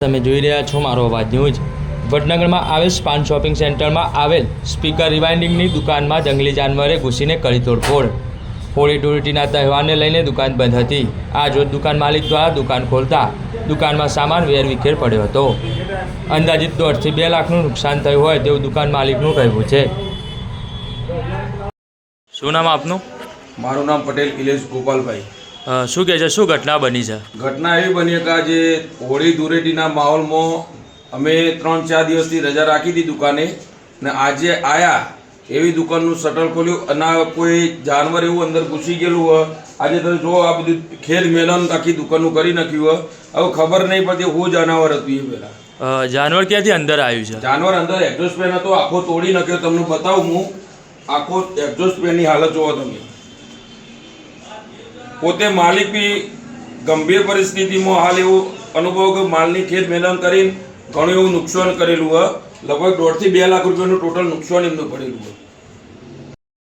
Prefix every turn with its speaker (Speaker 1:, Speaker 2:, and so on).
Speaker 1: તમે જોઈ રહ્યા છો મારો અવાજ ન્યૂઝ। વડનગરમાં આવેલ સ્પાન શોપિંગ સેન્ટરમાં આવેલ સ્પીકર રિવાઇન્ડિંગની દુકાનમાં જંગલી જાનવરે ઘૂસીને કરી તોડફોડ। હોળી ધૂળેટીના તહેવારને લઈને દુકાન બંધ હતી। આ રોજ દુકાન માલિક દ્વારા દુકાન ખોલતા દુકાનમાં સામાન વેરવિખેર પડ્યો હતો। અંદાજિત 1.5 થી 2 લાખનું નુકસાન થયું હોય તેવું દુકાન માલિકનું કહેવું છે। શું નામ આપનું?
Speaker 2: મારું નામ પટેલ ઇલેશ ગોપાલભાઈ।
Speaker 1: શું કહે છે, શું ઘટના બની છે?
Speaker 2: ઘટના એવી બની કે આજે હોળી ધૂળેટીના માહોલમાં અમે 3-4 દિવસથી રજા રાખી હતી દુકાને ને આજે આયા એવી દુકાનનું શટર ખોલ્યું અને કોઈ જાનવર એવું અંદર ઘૂસી ગયેલું હોય। આજે તમે જો આ બધું ખેલ મેલન આખી દુકાનનું કરી નાખ્યું હોય। હવે ખબર નહીં પડતી હું જાનવર હતું એ પહેલાં।
Speaker 1: જાનવર ક્યાંથી અંદર આવ્યું છે?
Speaker 2: જાનવર અંદર એક્ઝોસ્ટ ફેન હતો, આખો તોડી નાખ્યો। તમને બતાવું હું, આખો એક્ઝોસ્ટ ફેનની હાલત જોવો તમે। પોતે માલિક બી ગંભીર પરિસ્થિતિમાં હાલ એવું અનુભવ કે માલની ખેત મેદાન કરીને ઘણું એવું નુકસાન કરેલું હોય। લગભગ 1.5 થી 2 લાખ રૂપિયાનું ટોટલ નુકસાન એમનું પડેલું હોય।